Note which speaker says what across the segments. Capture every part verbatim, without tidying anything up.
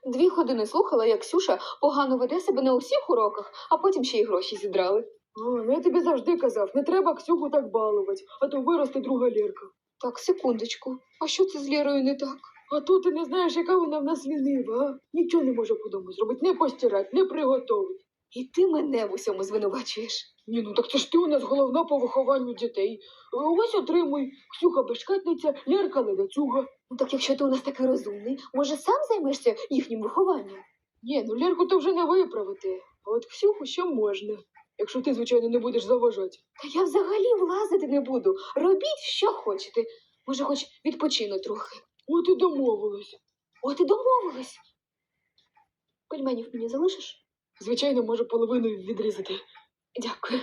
Speaker 1: Дві години слухала, як Ксюша погано веде себе на усіх уроках, а потім ще й гроші зідрали.
Speaker 2: А, ну я тобі завжди казав, не треба Ксюху так балувати, а то виросте друга Лєрка.
Speaker 1: Так, секундочку. А що це з Лєрою не так?
Speaker 2: А то ти не знаєш, яка вона в нас лінива, а? Нічого не може по дому зробити, не постирати, не приготувати.
Speaker 1: І ти мене в усьому звинувачуєш.
Speaker 2: Ні, ну так це ж ти у нас головна по вихованню дітей. Ось отримуй, Ксюха безшкетниця, Лєрка ледацюга.
Speaker 1: Ну так якщо ти у нас такий розумний, може сам займешся їхнім вихованням?
Speaker 2: Ні, ну Лєрку то вже не виправити, а от Ксюху ще можна. Якщо ти, звичайно, не будеш заважати.
Speaker 1: Та я взагалі влазити не буду. Робіть, що хочете. Може, хоч відпочину трохи.
Speaker 2: От і домовились.
Speaker 1: От і домовились. Пельменів мені залишиш?
Speaker 2: Звичайно, можу половину відрізати.
Speaker 1: Дякую.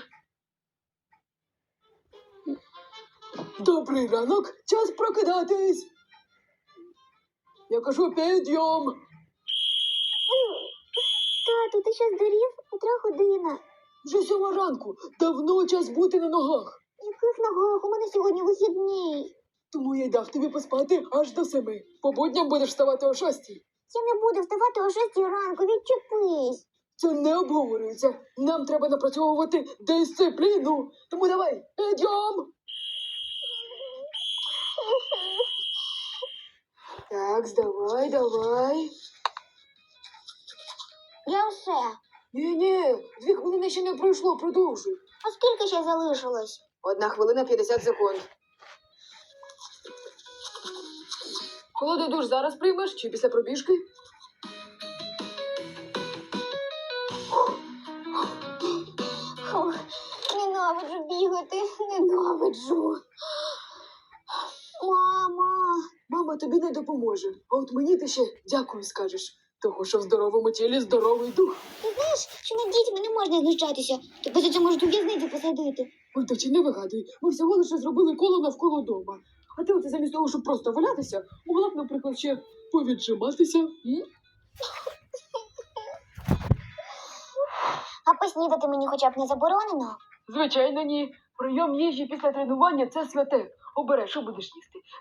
Speaker 2: Добрий ранок, час прокидатись. Я кажу, підйом.
Speaker 3: Тату, ти що здурів? Котра година?
Speaker 2: Вже сьома ранку, давно час бути на ногах.
Speaker 3: Яких ногах? У мене сьогодні вихідний.
Speaker 2: Тому я й дав тобі поспати аж до семи. По будням будеш вставати о шостій.
Speaker 3: Я не буду вставати о шостій ранку, відчепись.
Speaker 2: Це не обговорюється. Нам треба напрацьовувати дисципліну. Тому давай, підйом. Так, давай, давай.
Speaker 3: Я все.
Speaker 2: Ні-ні, дві хвилини ще не пройшло, продовжуй.
Speaker 3: А скільки ще залишилось?
Speaker 2: Одна хвилина п'ятдесят секунд. Холодний душ зараз приймеш чи після пробіжки?
Speaker 3: Фух, ненавиджу бігати, ненавиджу. Мама.
Speaker 2: Мама тобі не допоможе, а от мені ти ще дякую скажеш. Того, що в здоровому тілі здоровий дух.
Speaker 3: Ти знаєш, що над дітьми не можна знущатися? Тебе за це можуть у в'язницю посадити.
Speaker 2: Ой, дочі, не вигадуй. Ми всього лише зробили коло навколо дома. А ти оце замість того, щоб просто валятися, могла б, наприклад, ще повіджиматися. М?
Speaker 3: А поснідати мені хоча б не заборонено?
Speaker 2: Звичайно, ні. Прийом їжі після тренування – це святе. Обирай, що будеш їсти.